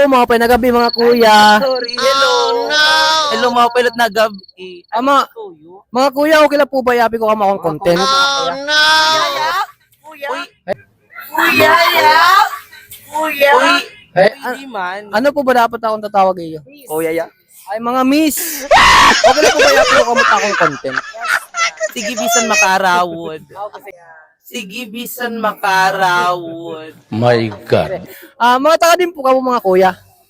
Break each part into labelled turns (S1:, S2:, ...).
S1: Hello, mga pinagabi, mga kuya.
S2: Sorry, hello. Hello mga pilot na gabi.
S1: Mga kuya, okay lang po ba yapi ko kama akong content?
S2: Kuya? Kuya, ya? Kuya?
S1: Eh,
S2: Hindi man.
S1: ano po ba dapat akong tatawag iyo?
S2: Kuya, ya?
S1: Ay, mga miss. Okay lang po ba yapi ko kama akong content?
S2: Sige, bisan makarawod. Sige, bisan makarawod.
S3: My God.
S1: Mga taga din po ka mga kuya.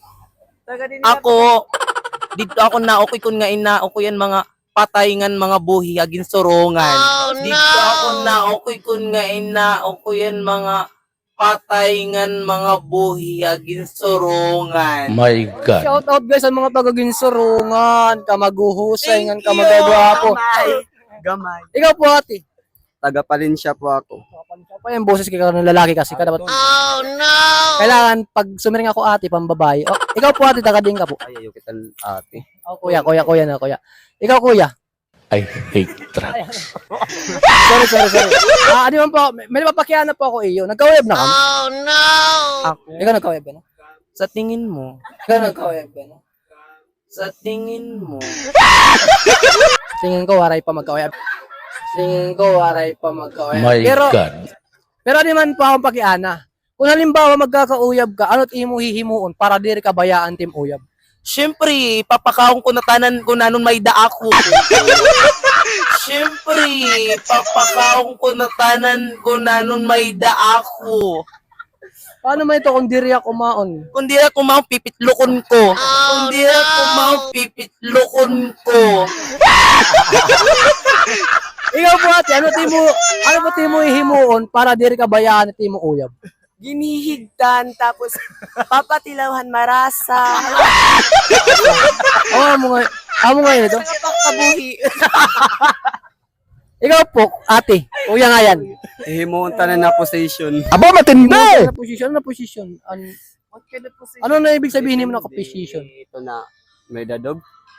S2: Ako, dito ako na okay kun nga ina okay yan mga patayngan mga buhi agin sorongan. Dito ako na okay kun nga ina okay yan mga patayngan mga buhi agin sorongan.
S3: My God.
S1: Shout out guys sa mga tagaginsurungan, kamaguhusay, ngan kamagagwapo.
S4: Gamay.
S1: Ikaw po ate.
S4: Taga Palencia po ako.
S1: Pa yung boses ka ng lalaki kasi ka dapat. Oh no. Kailangan pag sumiring ako ate pambabae. Oh, ikaw po ate taga din ka po.
S4: Ay, ayaw kita ate.
S1: Oh, kuya na kuya. Ikaw kuya.
S3: I hate trucks.
S1: Sorry. Ano man po, may napapakiana po ako iyo. Nagka-web na kami. Oh no. Ikaw nagka-web na?
S2: Sa tingin mo,
S1: Ikaw nagka-web na?
S2: sa tingin mo,
S1: Tingin ko waray pa magka-web.
S3: My God.
S1: Pero di man pa akong pakiana. Kung halimbawa magkakauyab ka, ano't imo hihimuon para diri ka bayaan tim uyab?
S2: syempre papakaon ko na tanan ko nanon may da ako. Syempre papakaon ko na tanan ko nanon may da ako.
S1: Paano man ito kung diri ako maon?
S2: Kung di ako mau pipitlokon ko. Kung di ako mau pipitlokon ko.
S1: Ikaw po ate, ano po timo hihimuon para diri ka bayaan at timo uyab?
S5: Ginihigdan, tapos papatilawhan marasa,
S1: Amo nga ito.
S5: pagkabuhi.
S1: Ikaw po, ate, kuya nga yan.
S4: Hihimuon tanan na position.
S3: Aba, matindi!
S1: Ano na posisyon? Ano na ibig sabihin mo na position?
S4: Ito na, may dadog.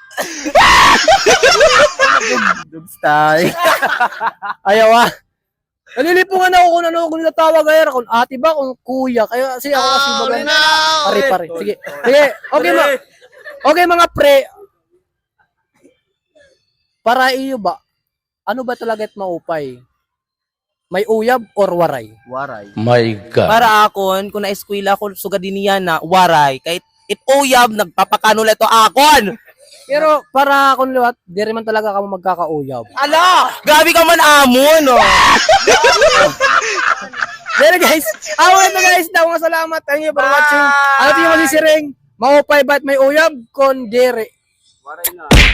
S4: Dog style.
S1: Ayaw Nalilipungan ako kung ano kung nitatawag ay kung ate ba kung kuya kaya kasi ako kasi bagan pare sige okay mga pre para iyo ba ano ba talaga at maupay may uyab or waray
S4: Waray.
S3: My God.
S2: Para akon, kung na-eskwela ko sugadin niya na waray, kahit it-uyab, nagpapakanula ito akon.
S1: pero para kung liwat di rin man talaga kamo magkakauyab
S2: Ala, grabe ka man amon, no?
S1: Pero guys guys daw mga salamat thank you for watching ano tingin mo si Sireng maupay ba't may uyab kon dere
S4: Waray na.